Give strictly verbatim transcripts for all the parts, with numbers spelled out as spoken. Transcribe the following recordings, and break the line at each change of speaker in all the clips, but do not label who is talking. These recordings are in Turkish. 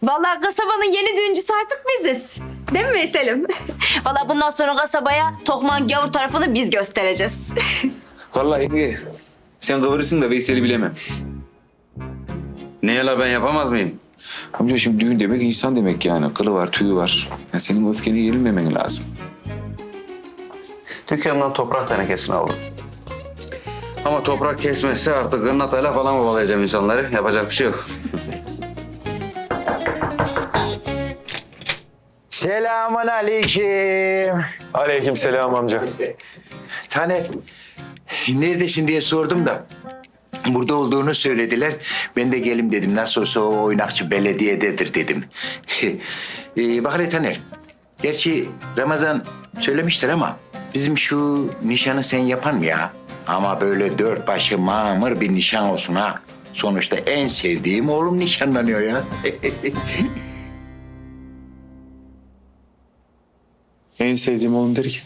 Vallahi kasabanın yeni düğüncüsü artık biziz. Değil mi Veysel'im? Vallahi bundan sonra kasabaya Tokman gavur tarafını biz göstereceğiz.
Vallahi yenge, sen kıvırırsın da Veysel'i bilemem.
Niye la ben yapamaz mıyım?
Amca şimdi düğün demek insan demek yani. Kılı var, tüyü var. Yani senin öfkeni yenilmemen lazım.
Dükkandan toprak tenekesini aldım. Ama toprak kesmezse artık gırnatayla falan kovalayacağım insanları. Yapacak bir şey yok.
Selamun aleyküm.
Aleyküm selam amca.
Taner, neredesin diye sordum da burada olduğunu söylediler. Ben de gelim dedim. Nasıl olsa o oynakçı belediyededir dedim. ee, bak hele Taner, gerçi Ramazan söylemiştir ama bizim şu nişanı sen yapan mı ya? Ama böyle dört başı mamur bir nişan olsun ha. Sonuçta en sevdiğim oğlum nişanlanıyor ya.
En sevdiğim oğlum der ki.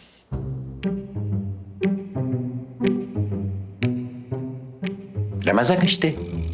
Ramazan işte.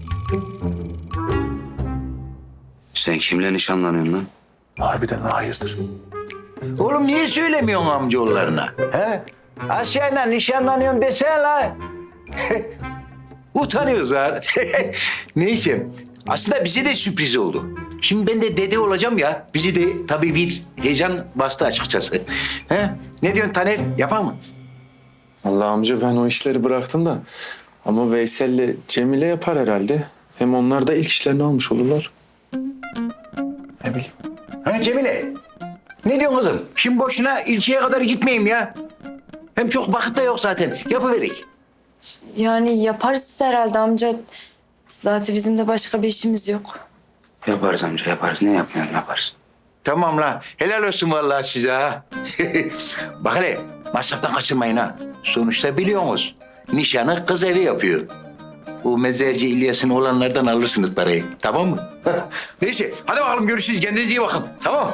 Sen kimle nişanlanıyorsun lan?
Harbiden hayırdır?
Oğlum niye söylemiyorsun amcaoğullarına? He? Asya'yla nişanlanıyorum desene la. Utanıyoruz ha. Neyse. Aslında bize de sürpriz oldu. Şimdi ben de dede olacağım ya. Bizi de tabii bir heyecan bastı açıkçası. He? Ne diyorsun Taner? Yapar mı?
Allah amca ben o işleri bıraktım da. Ama Veysel'le Cemile yapar herhalde. Hem onlar da ilk işlerini almış olurlar.
Ne bileyim. Ha Cemile? Ne diyorsun kızım? Şimdi boşuna ilçeye kadar gitmeyeyim ya. Hem çok vakit de yok zaten. Yapıverek.
Yani yaparız herhalde amca. Zaten bizim de başka bir işimiz yok.
Yaparız amca yaparız. Ne yapmayalım yaparız.
Tamam la. Helal olsun vallahi size ha. Bak hele masraftan kaçırmayın ha. Sonuçta biliyorsunuz nişanı kız evi yapıyor. O mezarcı İlyas'ın olanlardan alırsınız parayı. Tamam mı? Neyse hadi bakalım görüşürüz. Kendinize iyi bakın. Tamam mı?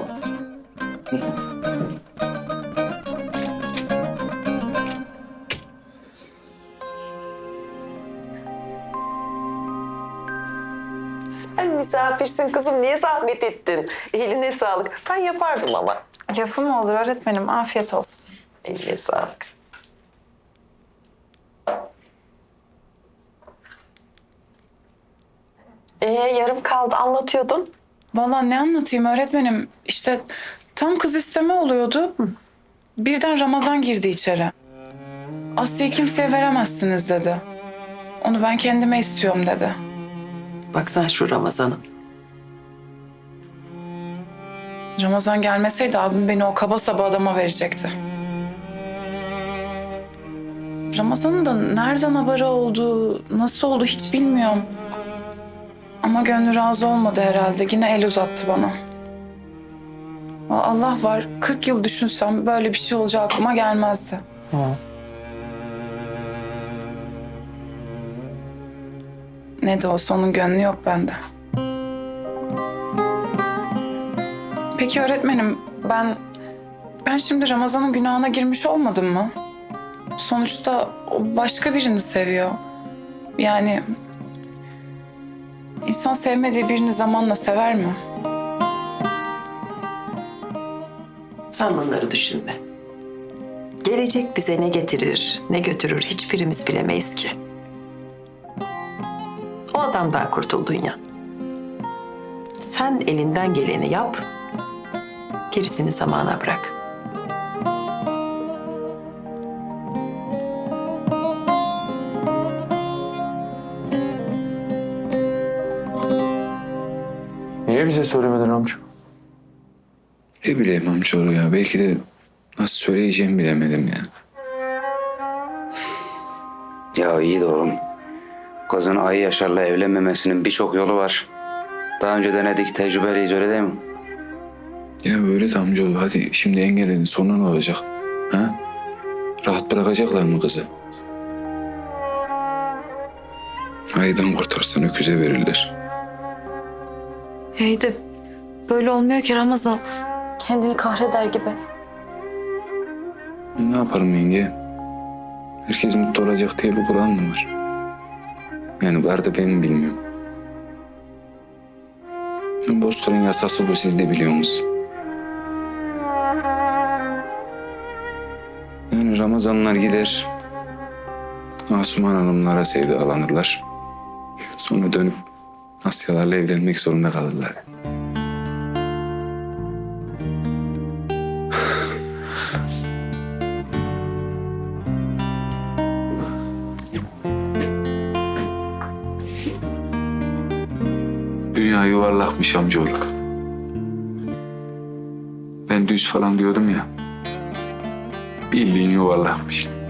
Sen misafirsin kızım. Niye zahmet ettin? Eline sağlık. Ben yapardım ama.
Lafı mı olur öğretmenim? Afiyet olsun.
Eline sağlık. Ee, yarım kaldı anlatıyordun.
Vallahi ne anlatayım öğretmenim? İşte tam kız isteme oluyordu. Birden Ramazan girdi içeri. Asya'yı kimseye veremezsiniz dedi. Onu ben kendime istiyorum dedi.
Bak sen şu Ramazan'a.
Ramazan gelmeseydi abim beni o kaba saba adama verecekti. Ramazan'ın da nereden haberi oldu, nasıl oldu hiç bilmiyorum. Ama gönlü razı olmadı herhalde. Yine el uzattı bana. Allah var, kırk yıl düşünsem böyle bir şey olacağı aklıma gelmezdi. Ne de olsa onun gönlü yok bende. Peki öğretmenim, ben ben şimdi Ramazan'ın günahına girmiş olmadım mı? Sonuçta o başka birini seviyor. Yani insan sevmediği birini zamanla sever mi?
Sen bunları düşünme. Gelecek bize ne getirir, ne götürür hiçbirimiz bilemeyiz ki. O adamdan kurtuldun ya. Sen elinden geleni yap, gerisini zamana bırak.
Niye bize söylemedin amca?
Ne bileyim amcaoğlu ya. Belki de nasıl söyleyeceğimi bilemedim ya.
Ya iyi de oğlum. Kızın Ayı Yaşar'la evlenmemesinin birçok yolu var. Daha önce denedik, tecrübeliyiz öyle değil mi?
Ya böyle de amcaoğlu. Hadi şimdi engelledin. Sonra ne olacak? Ha? Rahat bırakacaklar mı kızı? Ayıdan kurtarsan öküze verirler.
Hey de böyle olmuyor ki Ramazan. Kendini kahreder gibi.
Ne yaparım yenge? Herkes mutlu olacak diye bir kural mı var? Yani var da ben mi bilmiyorum. Bozkır'ın yasası bu, siz de biliyorsunuz. Yani Ramazanlar gider, Asuman Hanımlara sevdalanırlar. Sonra dönüp Asyalarla evlenmek zorunda kalırlar. Dünya yuvarlakmış amcaoğlu. Ben düz falan diyordum ya. Bildiğin yuvarlakmış.